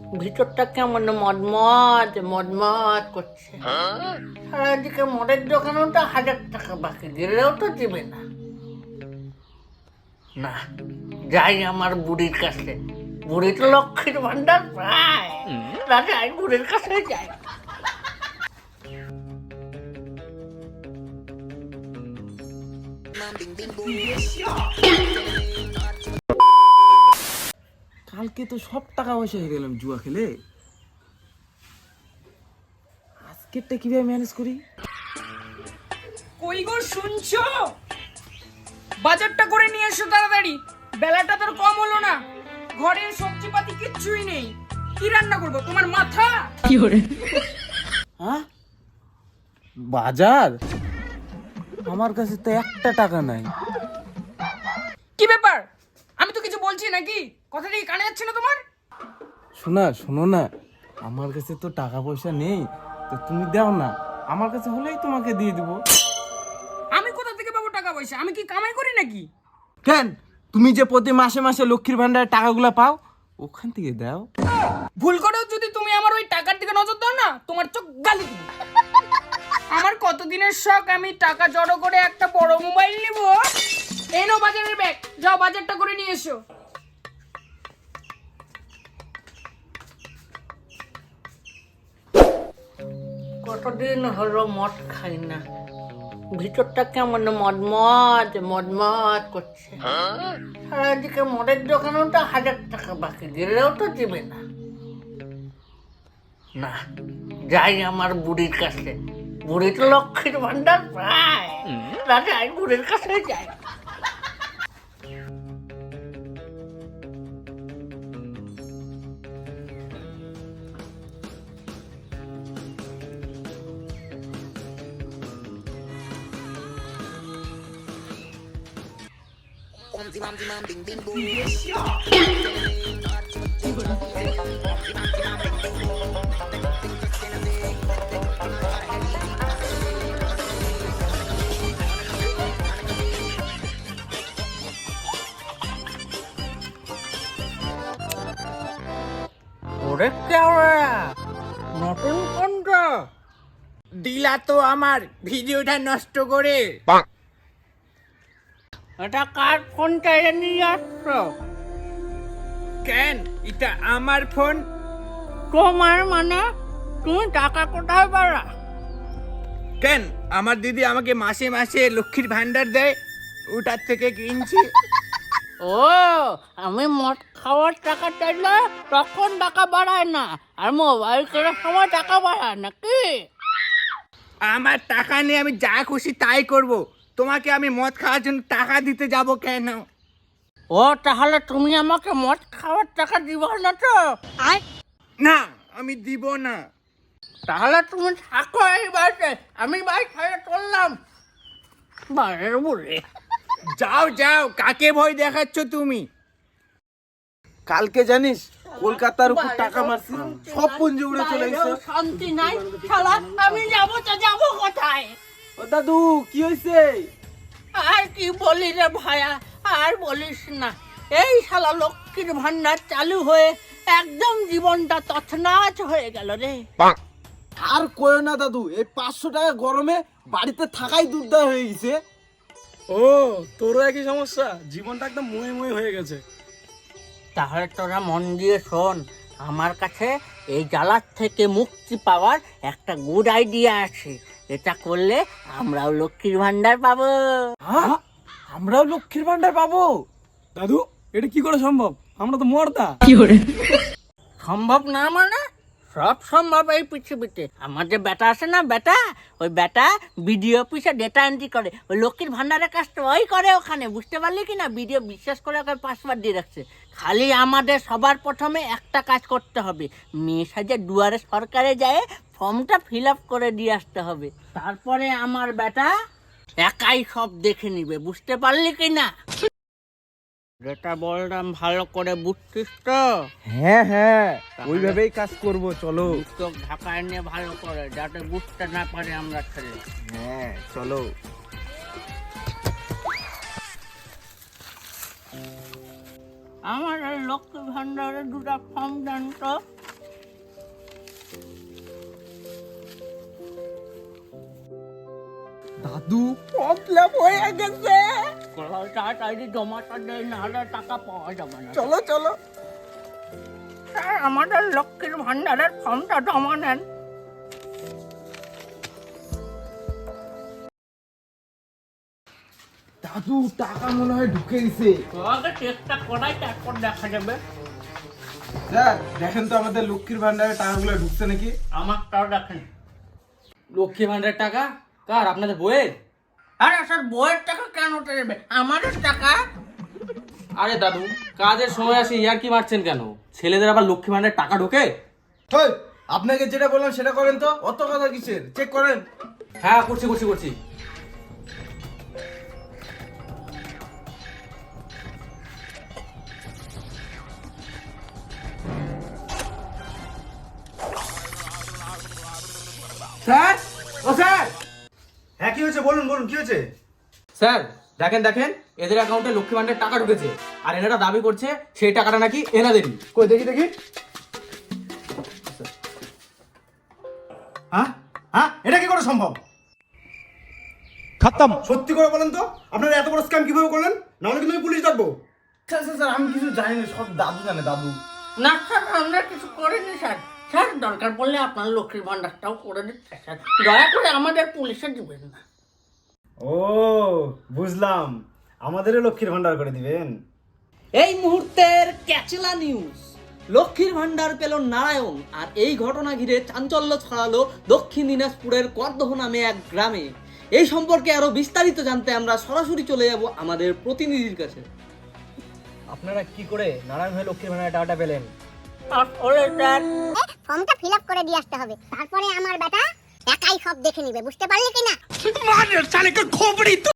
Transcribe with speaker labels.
Speaker 1: ভিতরটা কেমন মদমদ মদমদ করছে। সারাদিকে মদের দোকানেও তো 1000 টাকা বাকি, গেলেও তো দিবে না। না, যাই আমার বুড়ির কাছে। বুড়ি তো লক্ষ্মীর ভান্ডার প্রায়। না যাই, বুড়ির কাছে যাই।
Speaker 2: কালকে তো সব টাকা পয়সা হয়ে গেলাম জুয়া খেলে। আজকেরটা কিভাবে ম্যানেজ করি?
Speaker 3: কই গো শুনছো? বাজারটা করে নিয়ে এসো তাড়াতাড়ি, বেলাটা তোর কম হলো না। ঘরে সবজিপাতি কিচ্ছুই নেই, কি রান্না করবো? তোমার মাথা কি করে?
Speaker 2: হ্যাঁ, বাজার? আমার কাছে তো একটা টাকা নাই।
Speaker 3: কি ব্যাপার? আমি তো কিছু বলছি নাকি? কথাটা কি কানে যাচ্ছে না তোমার?
Speaker 2: শোনো না, আমার কাছে তো টাকা পয়সা নেই, তো তুমি দাও না, আমার কাছে হলেই তোমাকে দিয়ে দিব।
Speaker 3: আমি কোথা থেকে পাবো টাকা পয়সা? আমি কি কামাই করি নাকি?
Speaker 2: কেন, তুমি যে প্রতি মাসে মাসে লক্ষ্মীর ভান্ডারের টাকাগুলো পাও, ওখান থেকে দাও।
Speaker 3: ভুল করেও যদি তুমি আমার ওই টাকার দিকে নজর দাও না, তোমার চোখ গালি দিব। আমার কতদিনের শখ, আমি টাকা জড়ো করে একটা বড় মোবাইল নিব। এই নাও বাজারের ব্যাগ, যাও বাজারটা করে নিয়ে এসো।
Speaker 1: কতদিন হলো মদ খাই না, ভিতরটা কেমন মদমদ মদমদ করছে। সারাদিকে মদের দোকানেও তো 1000 টাকা বাকি, গেলেও তো দিবে না। না, যাই আমার বুড়ির কাছে। বুড়ি তো লক্ষ্মীর ভান্ডার প্রায়। না যাই, বুড়ির কাছে যাই। ওরে কেওড়া, নতুন কোনটা?
Speaker 3: দিলা তো আমার ভিডিওটা নষ্ট করে।
Speaker 1: এটা কার ফোনটা এনে নিয়ে আসছো?
Speaker 3: কেন, এটা আমার ফোন।
Speaker 1: তোমার মানে? তুমি টাকা কোথায় পারা?
Speaker 3: কেন, আমার দিদি আমাকে মাসে মাসে লক্ষ্মীর ভান্ডার দেয়, ওটার থেকে কিনছি।
Speaker 1: ও, আমি মদ খাওয়ার টাকা চাইলে তখন টাকা বাড়ায় না, আর মোবাইল কেনার সময় টাকা বাড়ায় নাকি?
Speaker 3: আমার টাকা নিয়ে আমি যা খুশি তাই করব। তোমাকে আমি মদ খাওয়ার জন্য টাকা দিতে যাব কেন?
Speaker 1: ও, তাহলে তুমি আমাকে মদ খাওয়ার টাকা দিবা না তো?
Speaker 3: না, আমি দিব না।
Speaker 1: তাহলে তুমি থাকো এই বাড়িতে, আমি বাড়ি ছেড়ে চললাম। বাড়ির বলে
Speaker 3: যাও যাও, কাকে ভয় দেখাচ্ছ তুমি?
Speaker 2: কালকে জানিস কলকাতার উপর টাকা মারছি, সব পুঞ্জি উড়ে চলে গেছে।
Speaker 1: শান্তি নাই শালা, আমি যাবো তো যাবো কোথায়?
Speaker 2: ও দাদু, কি হয়েছে?
Speaker 1: আর কি বলি রে ভায়া, আর বলিস না। এই শালা লক্ষ্মীর ভান্ডার চালু হয়ে একদম জীবনটা তছনছ হয়ে গেল রে।
Speaker 2: আর কয়ো না দাদু, এই 500 টাকা গরমে বাড়িতে থাকাই দুর্দার হয়ে গেছে।
Speaker 4: ও, তোরও একই সমস্যা, জীবনটা একদম মুয়ে মুয়ে হয়ে গেছে।
Speaker 1: তাহলে তোরা মন দিয়ে শোন, আমার কাছে এই জ্বালার থেকে মুক্তি পাওয়ার একটা গুড আইডিয়া আছে। এটা করলে আমরাও লক্ষ্মীর ভান্ডার পাবো।
Speaker 2: হ্যাঁ, আমরাও লক্ষ্মীর ভান্ডার পাবো?
Speaker 4: দাদু, এটা কি করে সম্ভব? আমরা তো মর্দা।
Speaker 1: সম্ভব না মানে? সব সম্ভব এই পৃথিবীতে। আমার যে বেটা আছে না, বেটা, ওই বেটা বিডিও অফিসে ডেটা এন্ট্রি করে। ওই লক্ষ্মীর ভান্ডারের কাজটা ওই করে ওখানে, বুঝতে পারলি কি না? বিডিও বিশ্বাস করে ওকে পাসওয়ার্ড দিয়ে রাখছে। খালি আমাদের সবার প্রথমে একটা কাজ করতে হবে, মেয়ে সাজে দুয়ারে সরকারে যায় ফর্মটা ফিল আপ করে দিয়ে আসতে হবে। তারপরে আমার বেটা একাই সব দেখে নিবে, বুঝতে পারলি কি না? যেটা বললাম ভালো করে বুঝছিস তো?
Speaker 2: হ্যাঁ হ্যাঁ, ওইভাবেই কাজ করব, চলো।
Speaker 1: চোখ ঢাকায় নিয়ে ভালো করে, যাতে বুঝতে না পারে আমরা ছেলে।
Speaker 2: হ্যাঁ চলো।
Speaker 1: আমার এই লক্ষ্মী ভান্ডারের 2টা ফর্ম দেন তো।
Speaker 2: দাদু প্রবলেম হয়ে গেছে।
Speaker 1: তাড়াতাড়ি জমাটা দেয়, নাহলে টাকা পাওয়া যাবে না।
Speaker 2: চলো চলো।
Speaker 1: স্যার, আমাদের লক্ষ্মীর ভান্ডারের ফর্মটা জমা নেন।
Speaker 2: দাদু টাকা মনে হয় ঢুকে গেছে।
Speaker 1: আগে চেষ্টা করাই, তারপর দেখা যাবে।
Speaker 2: স্যার দেখেন তো আমাদের লক্ষ্মীর ভান্ডারের টাকাগুলো ঢুকছে নাকি।
Speaker 1: আমারটাও দেখেন।
Speaker 5: লক্ষ্মী ভান্ডারের টাকা কার? আপনাদের বইয়ের?
Speaker 1: আরে স্যার, বইয়ের টাকা কেন দেবে? আমাদের টাকা।
Speaker 5: আরে দাদু, কাজের সময় আসে ইয়ার কি মারছেন কেন? ছেলেদের আবার লক্ষ্মী ভান্ডারের টাকা ঢোকে?
Speaker 2: হেই, আপনাকে যেটা বললাম সেটা করেন তো, অত কথা কিসের? চেক করেন।
Speaker 5: হ্যাঁ, করছি করছি করছি।
Speaker 2: স্যার, ও স্যার। হ্যাঁ কি হয়েছে বলুন বলুন, কি হয়েছে?
Speaker 5: স্যার দেখেন দেখেন, এদের অ্যাকাউন্টে লক্ষ্মী ভান্ডারের টাকা ঢুকেছে, আর এনারা দাবি করছে সেই টাকাটা নাকি এনাদেরই।
Speaker 2: কই দেখি দেখি। হ্যাঁ হ্যাঁ, এটা কি করে সম্ভব? খতম। সত্যি করে বলেন তো, আপনারা এত বড় স্ক্যাম কিভাবে করলেন? না হলে কিন্তু আমি পুলিশ ডাকবো। স্যার স্যার স্যার, আমি কিছু জানি না, সব দাদু জানে, দাদু।
Speaker 1: না স্যার, আমরা কিছু করিনি স্যার। স্যার, দরকার পড়লে আপনার লক্ষ্মীর ভান্ডারটাও করে দিচ্ছে স্যার। দয়া করে আমাদের পুলিশে দিবেন না।
Speaker 4: ও বুঝলাম, আমাদেরও লক্ষ্মীর ভান্ডার করে দিবেন।
Speaker 6: এই মুহূর্তের ক্যাচেলা নিউজ। লক্ষ্মীর ভান্ডার পেল নারায়ণ, আর এই ঘটনা ঘিরে চাঞ্চল্য ছড়ালো দক্ষিণ দিনাজপুরের করদহ নামে এক গ্রামে। এই সম্পর্কে আরো বিস্তারিত জানতে আমরা সরাসরি চলে যাব আমাদের প্রতিনিধির কাছে।
Speaker 7: আপনারা কি করে নারায়ণ হয়ে লক্ষ্মীর ভান্ডারের টাকাটা পেলেন?
Speaker 1: আসলে স্যার,
Speaker 8: ফর্মটা ফিল আপ করে দিয়ে আসতে হবে, তারপরে আমার বেটা একাই সব দেখে নিবে, বুঝতে পারলি কিনা?